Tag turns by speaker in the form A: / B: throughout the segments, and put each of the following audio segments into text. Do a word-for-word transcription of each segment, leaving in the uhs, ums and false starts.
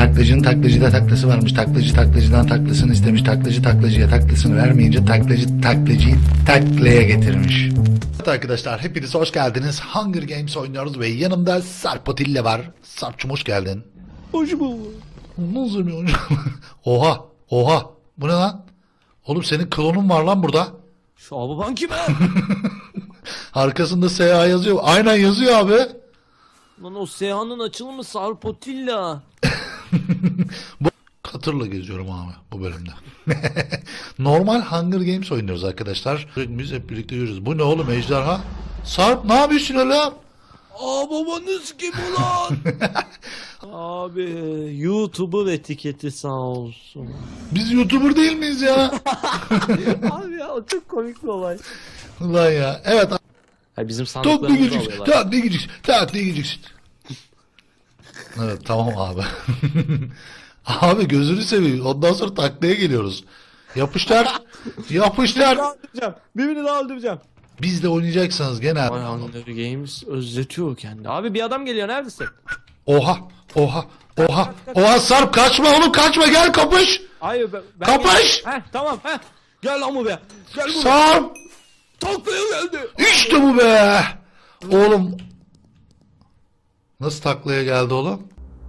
A: Taklacının taklacıda taklası varmış. Taklacı taklacıdan taklasını istemiş. Taklacı taklacıya taklasını vermeyince taklacı taklacıyı taklaya getirmiş. Evet arkadaşlar, hepiniz hoş geldiniz. Hunger Games oynuyoruz ve yanımda Sarp Atilla var. Sarp'cum hoş geldin.
B: Hoş bulduk.
A: Nasıl bir oyun? Oha oha, bu ne lan? Oğlum senin klonun var lan burada.
B: Şu Ababan kim ha?
A: Arkasında S A yazıyor. Aynen yazıyor abi.
B: Lan o Seyhan'ın açılımı Sarpotilla.
A: Bu katırla geziyorum abi bu bölümde. Normal Hunger Games oynuyoruz arkadaşlar. Biz hep birlikte yürüyoruz. Bu ne oğlum, ejderha? Sarp ne yapıyorsun oğlum?
B: Ababanız kim ulan? Abi YouTuber etiketi sağ olsun.
A: Biz YouTuber değil miyiz ya?
B: Abi ya o çok komik bir olay.
A: Ulan ya. Evet.
B: Ha, bizim
A: Tak ne
B: sandıklarımızı
A: gideceksin?
B: alıyorlar.
A: Tak ne gideceksin? Tak ne gideceksin? Evet tamam abi. Abi gözünü seveyim. Ondan sonra taklaya geliyoruz. Yapışlar. Yapışlar.
B: öldüreceğim. Birbirini daha öldüreceğim.
A: Bizle oynayacaksanız gene.
B: Ay Hunger Games özletiyor kendi. Abi bir adam geliyor, neredesin?
A: Oha. Oha. Oha. Oha Sarp kaçma oğlum, kaçma, gel kapış.
B: Hayır ben... ben
A: Kapış!
B: Heh tamam heh. Gel lan buraya. Gel buraya.
A: Sarp.
B: Taklaya geldi.
A: İşte bu be. Oğlum. Nasıl taklaya geldi oğlum?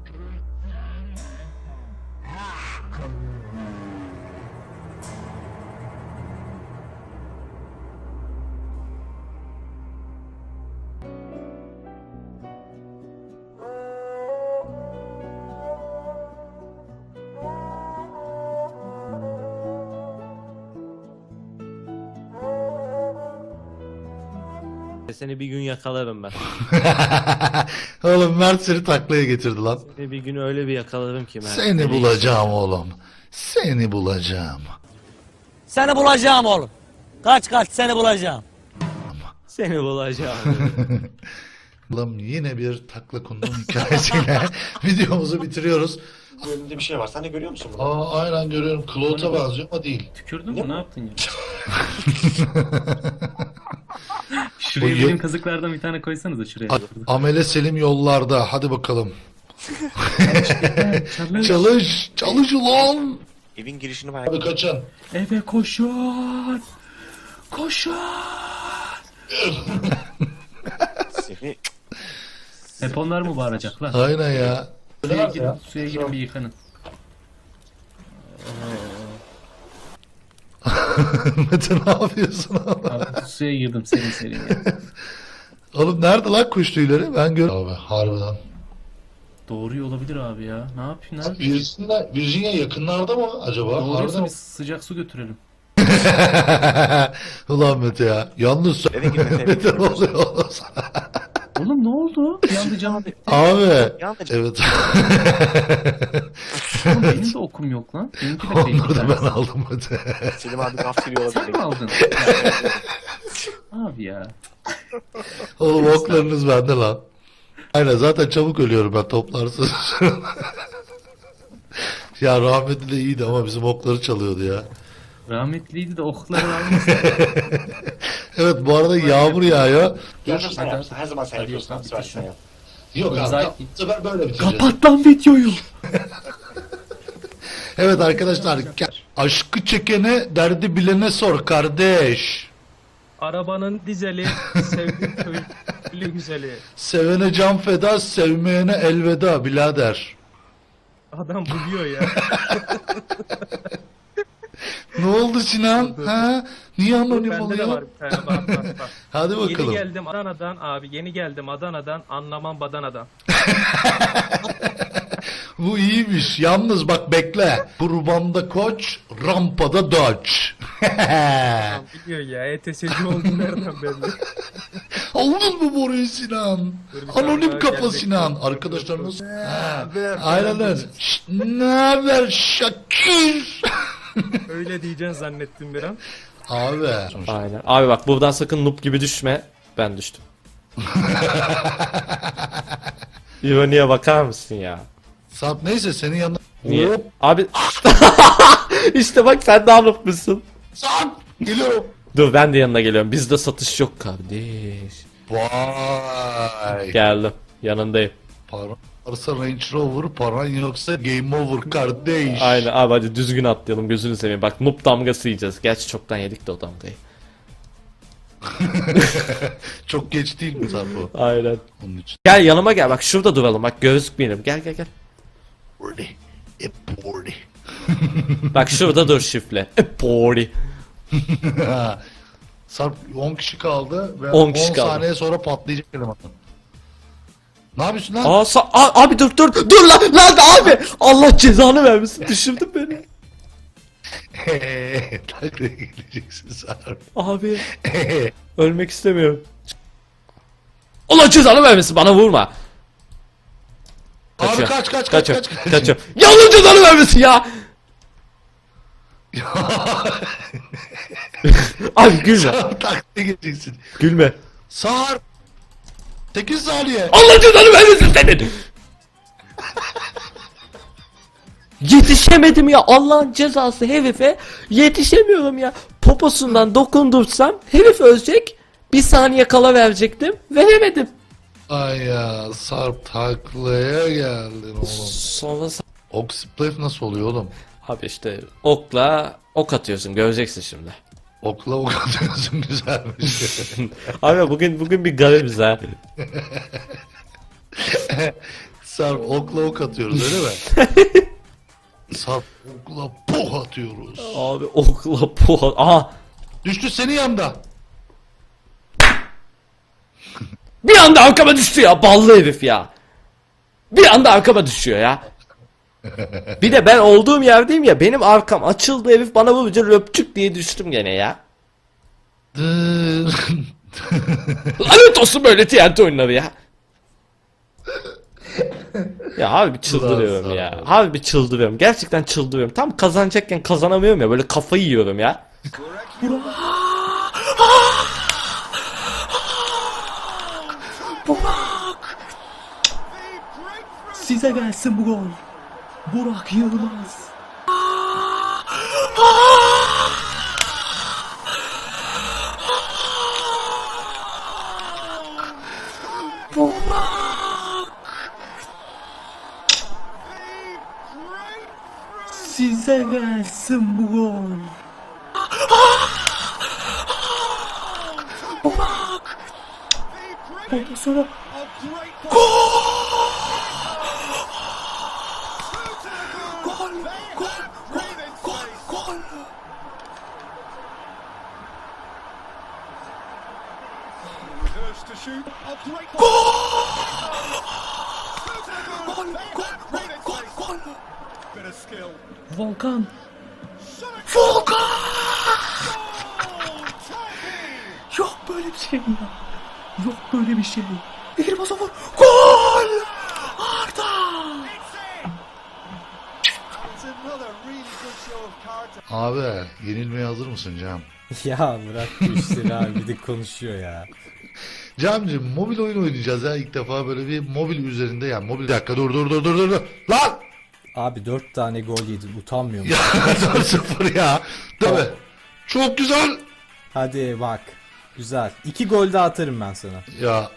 B: Seni bir gün yakalarım ben.
A: Oğlum Mert seni taklaya getirdi lan.
B: Seni bir gün öyle bir yakalarım ki ben.
A: Seni bulacağım oğlum. Seni bulacağım.
C: Seni bulacağım oğlum. Kaç kaç seni bulacağım.
B: Seni bulacağım.
A: Oğlum yine bir takla kundum hikayesiyle videomuzu bitiriyoruz.
D: Önünde bir şey var. Sen de görüyor musun bunu?
A: Aa aynen görüyorum. Claude'a benziyor ama değil.
E: Tükürdün mü? Ne yaptın ya?
A: O
E: Şuraya
A: ye-
E: benim kazıklardan bir tane koysanıza şuraya.
A: A- Amele Selim yollarda. Hadi bakalım.
E: Çalış.
A: Çalış. Çalış ulan.
D: Evin girişini merak
A: Abi kaçın.
E: Eve koşun. Koşun.
D: Seni
E: Hep onlar mı bağıracak lan?
A: Aynen ya.
E: Suya girin, suya girin bir yıkanın.
A: Mete ne yapıyorsun oğlum?
E: Abi suya girdim serin serin ya.
A: Oğlum nerede lan kuş tüyleri? Ben gör. Abi harbiden.
E: Doğruyor olabilir abi ya. Ne yapayım lan?
A: Virginia, Virginia yakınlarda mı acaba?
E: Doğruysa
A: Harbiden.
E: biz sıcak su götürelim.
A: Ulan Mete ya. Yalnız
D: Eve gir Mete, eve
A: Mete
D: gir.
A: ne oluyor oğlum sana?
E: Oğlum ne oldu? Bir anda canım.
A: Abi.
D: Yandı.
A: Evet.
E: Oğlum benim de okum yok lan. Benimki de
A: Onları da ben
E: tehlikeli.
A: aldım Mete.
D: Selim abi gaf geliyor
E: Sen mi
D: olabilir.
E: aldın? Abi ya.
A: Oğlum oklarınız bende lan. Aynen zaten çabuk ölüyorum ben toplarsın. Ya rahmetli de iyiydi ama bizim okları çalıyordu ya.
E: Rahmetliydi de okları almasın.
A: Evet bu arada yağmur yağıyor.
D: Görüşürüz sen
E: Hadi,
D: yapsın. Her zaman sen
E: hadi,
D: yapıyorsun.
E: hadi,
D: Abi süper
E: bitir
D: sen
E: şunu.
D: yap.
A: Yok abi
E: Zaten-
A: bu sefer böyle bitireceğiz.
E: Kapat lan videoyu.
A: Evet arkadaşlar ke- aşkı çekene derdi bilene sor kardeş.
F: Arabanın dizeli, sevdiğim köylü güzeli.
A: Sevene can feda, sevmeyene elveda birader.
F: Adam buluyor ya.
A: Ne oldu Sinan? Ha? Niye anonim
F: Bende de var
A: oluyor?
F: bir tane bak bak bak.
A: Hadi
F: Yeni
A: bakalım.
F: geldim Adana'dan abi, yeni geldim Adana'dan, anlamam badanadan.
A: Bu iyiymiş. Yalnız bak bekle. Kurbanda koç, rampada doç.
F: Adam biliyor ya, E T S'ci oldu nereden belli.
A: Aldın mı boruyu Sinan?
F: Dur bir tane
A: Anonim
F: daha
A: kafa
F: gelecek.
A: Sinan. Arkadaşlar nasıl? Ha, aynen öyle. Şşt, ne haber Şakir?
F: Öyle diyeceksin zannettim bir an.
A: Abi.
B: Aynen. Abi bak buradan sakın noob gibi düşme. Ben düştüm. İroniye bakar mısın ya?
A: Sarp neyse senin yanına.
B: Niye?
A: Hop,
B: Abi işte bak sen daha noob musun?
A: Sarp geliyorum.
B: Dur ben de yanına geliyorum. Bizde satış yok kardeş.
A: Vay.
B: Geldim. Yanındayım.
A: Pardon. Varsa Range Rover, paran yoksa game over kardeş.
B: Aynen abi, hadi düzgün atlayalım, gözünü seveyim. Bak noob damgası yiyeceğiz. Gerçi çoktan yedik de o damgayı.
A: Çok geç değil mi Sarpo?
B: Aynen.
A: Onun için.
B: Gel yanıma gel, bak şurada duralım, bak gözükmeyelim. Gel gel gel.
A: Birdie. E birdie.
B: Bak şurada dur şifle. E pori.
A: Sarp on kişi kaldı ve
B: on
A: on
B: kişi kaldı.
A: saniye sonra patlayacak eleman. Ne yapıyorsun lan?
B: Aa, sa- a- abi dur dur dur lan lan abi. Allah cezanı vermesin, düşürdün beni.
A: Taklaya geleceksin Sarp.
B: Abi ölmek istemiyorum. Allah cezanı vermesin, bana vurma.
A: Abi
B: Kaçıyor.
A: kaç kaç kaç
B: Kaçıyor.
A: kaç kaç.
B: Kaçıyor. Ya Allah cezanı vermesin ya. Abi gülme.
A: Sarp taklaya geleceksin.
B: Gülme.
A: Sarp. sekiz saniye.
B: Allah cezanı vermesin senin. Yetişemedim ya, Allah'ın cezası herife yetişemiyorum ya. Poposundan dokundursam herif ölecek. Bir saniye kala verecektim. Veremedim.
A: Ay ya Sarp taklaya geldin oğlum.
B: Sonra
A: Oxyplate nasıl oluyor oğlum?
B: abi işte okla ok atıyorsun, göreceksin şimdi.
A: Okla ok atıyorsun güzelmiş.
B: Abi bugün bugün bir garibiz ha.
A: Sarp okla ok atıyoruz öyle mi? Sarp okla poh atıyoruz.
B: Abi okla puha. Aha.
A: Düştü senin yanında.
B: Bir anda arkama düştü ya, ballı herif ya. Bir anda arkama düşüyor ya. Bir de ben olduğum yerdeyim ya, benim arkam açıldı, herif bana vurunca löpçük diye düştüm gene ya.
A: Dır.
B: Lanet olsun böyle T N T oyunları ya. Ya harbi çıldırıyorum ya. Harbi çıldırıyorum. Gerçekten çıldırıyorum. Tam kazanacakken kazanamıyorum ya. Böyle kafayı yiyorum ya. Burak! Size gelsin bu gol. Burak Yılmaz. Size gelsin bu gol. Burak! Ondan sonra gol! Gol! Gol! Gol! Gol! Gol! Volkan! Volkan! Yok böyle bir şey ya. Yok böyle bir şey. Elbasa vur. Gol! Arda!
A: Abi yenilmeye hazır mısın Cam?
G: Ya bırak bu işleri abi, bir de konuşuyor ya.
A: Camcığım mobil oyun oynayacağız ya ilk defa böyle bir mobil üzerinde ya mobil. Bir dakika dur dur dur dur dur dur. Lan!
G: Abi dört tane gol yedin, utanmıyor
A: Ya
G: musun?
A: dört sıfır ya. Tabii. Çok güzel.
G: Hadi bak. Güzel. İki gol daha atarım ben sana.
A: Ya.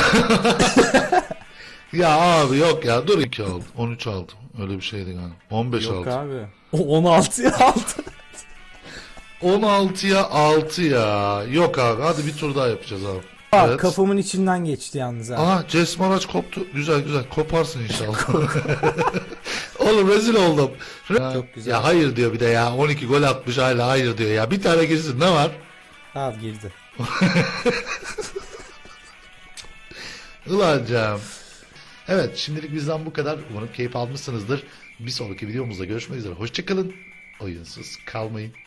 A: Ya abi yok ya dur iki aldım. on üç aldım. Öyle bir şeydi galiba. on beş
G: Yok
A: aldım.
G: abi. O on altıya aldı.
A: on altıya altı ya. Yok abi hadi bir tur daha yapacağız abi.
G: Bak
A: Evet.
G: kafamın içinden geçti yalnız ha.
A: Aha Cesmaraç koptu. Güzel güzel. Koparsın inşallah. Oğlum rezil oldum.
G: Çok güzel.
A: Ya hayır diyor bir de ya. on iki gol atmış hala hayır diyor ya. Bir tane girsin ne var?
G: Al girdi.
A: Ulan Cem. Evet şimdilik bizden bu kadar. Umarım keyif almışsınızdır. Bir sonraki videomuzda görüşmek üzere. Hoşçakalın. Oyunsuz kalmayın.